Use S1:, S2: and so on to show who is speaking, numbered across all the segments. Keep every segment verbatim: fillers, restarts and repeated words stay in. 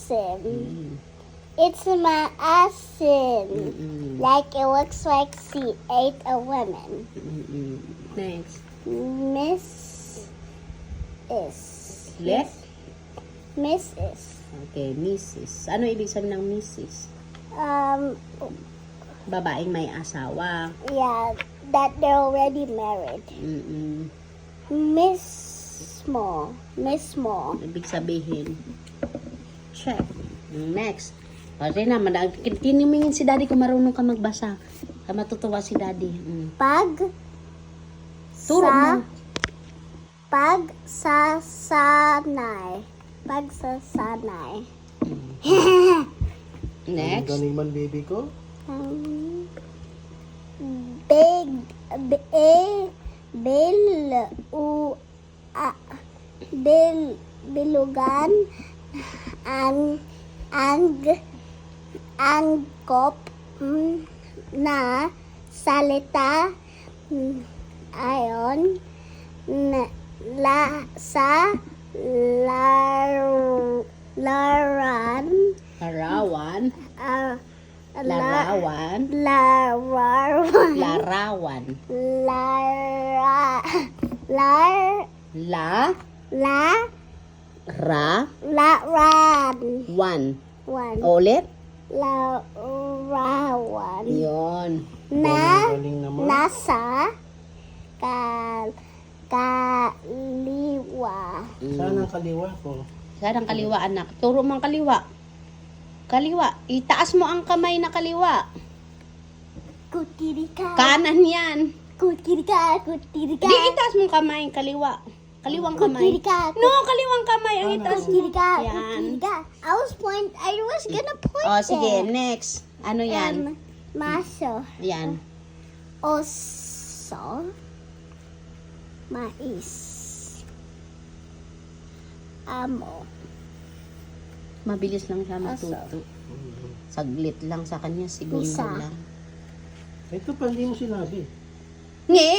S1: asin.
S2: Mm.
S1: It's my asin.
S2: Mm-mm.
S1: Like it looks like she ate a woman.
S2: Mm-mm. Next.
S1: Miss is.
S2: Left?
S1: Missus
S2: Okay, missus. Ano ibig sabihin ng missus?
S1: Um,
S2: Babaeng may asawa.
S1: yeah, that they're already married.
S2: Mm-mm.
S1: Miss Small. Miss Small.
S2: Ibig sabihin. Check. Next. Pwede na, tinimingin si daddy kung marunong ka magbasa. Kaya matutuwa si daddy. Mm.
S1: Pag
S2: Turo
S1: sa
S2: mo.
S1: pag sa sanay. Pag sa sanay.
S2: Next.
S3: Galing man baby ko.
S1: Um, big b bil u a bil bilugan ang ang angkop mm, na salita mm, ayon na, la sa lar, laran
S2: Larawan.
S1: uh,
S2: Larawan.
S1: larawan
S2: Larawan.
S1: lara lar
S2: La.
S1: la
S2: Ra.
S1: laran
S2: One.
S1: one
S2: Ulit.
S1: larawan
S2: Yun.
S1: na
S3: Galing naman.
S1: nasa kal kaliwa
S3: Saan ang kaliwa ko?
S2: Saan ang kaliwa, anak? Turo mo ang kaliwa. Kaliwa. Itaas mo ang kamay na kaliwa.
S1: kutirika
S2: Kanan yan.
S1: kutirika kutirika
S2: Di, itaas mo ang kamay, kaliwa. Kaliwang kamay.
S1: kutirika
S2: No, kaliwang kamay. Ang itaas mo.
S1: kutirika
S2: Yan.
S1: kutirika I was point I was gonna point
S2: O, sige.
S1: there.
S2: Next. Ano yan?
S1: Um, maso
S2: Yan.
S1: oso mais amo
S2: Mabilis lang siya matuto. Saglit lang sa kanya. Segundo
S1: Isa.
S2: lang.
S3: Ito pa hindi mo sinabi.
S2: Nge!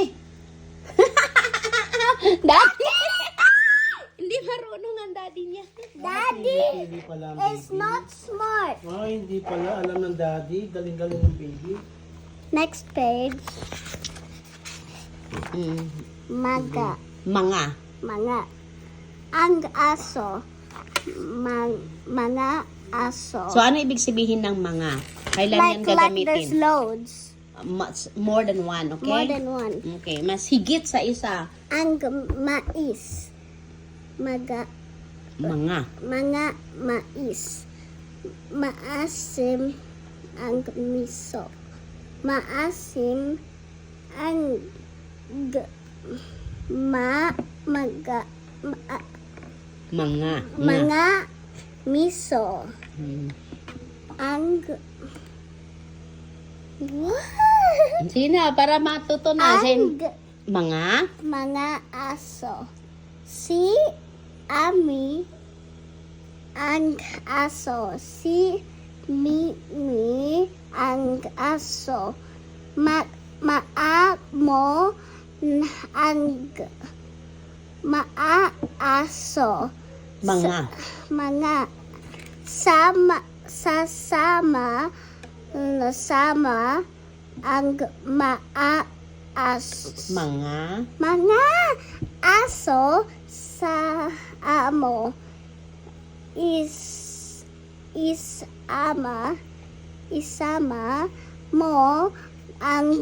S2: Daddy! Hindi marunong ang daddy niya.
S1: daddy
S3: Hindi pala ang
S1: is
S3: baby.
S1: not smart.
S3: Ay, hindi pala. Alam ng daddy. Galing-galing ng baby.
S1: Next page
S2: Mm.
S1: maga
S2: Mga.
S1: mga ang aso mang, mga aso
S2: So, ano ibig sabihin ng mga? Kailan yan
S1: like like there's
S2: gagamitin?
S1: loads
S2: Much, more than one, okay?
S1: more than one.
S2: Okay, mas higit sa isa.
S1: Ang mais maga
S2: Mga.
S1: mga mais maasim ang miso maasim ang g- ma maga ma-
S2: Mga. Nga.
S1: mga miso
S2: Hmm.
S1: ang what
S2: Sige na, para matuto na. Sin-
S1: ang
S2: Mga.
S1: mga aso si ami ang aso si mi mi ang aso ma maa mo n- ang maa aso
S2: Mga.
S1: mga sama sasama sama ang maa as
S2: Mga.
S1: mga aso sa amo is is ama isama mo ang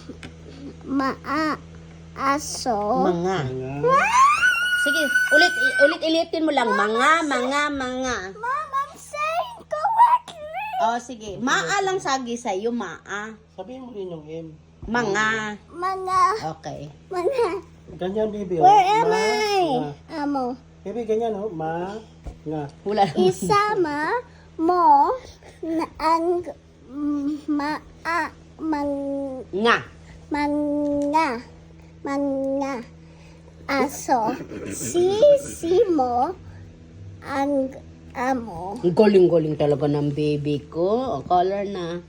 S1: maa aso
S2: Mga.
S3: Mga.
S2: Sige, ulit, ulit ilitin mo lang. Mga, mga, mga.
S1: Mom, I'm saying correctly.
S2: O, sige. Maa lang sagi sa'yo, maa.
S3: Sabihin mo rin yung M.
S2: Mga.
S1: Mga
S2: Okay.
S1: mga
S3: Ganyan, baby. Oh.
S1: where am
S3: Ma,
S1: I?
S3: nga.
S1: Amo
S3: Baby, ganyan, oh. Ma, nga.
S2: Wala naman.
S1: isama mo na ang maa mang
S2: Nga.
S1: mga mga aso si si mo ang amo
S2: Ang galing-galing talaga ng baby ko. O, color na.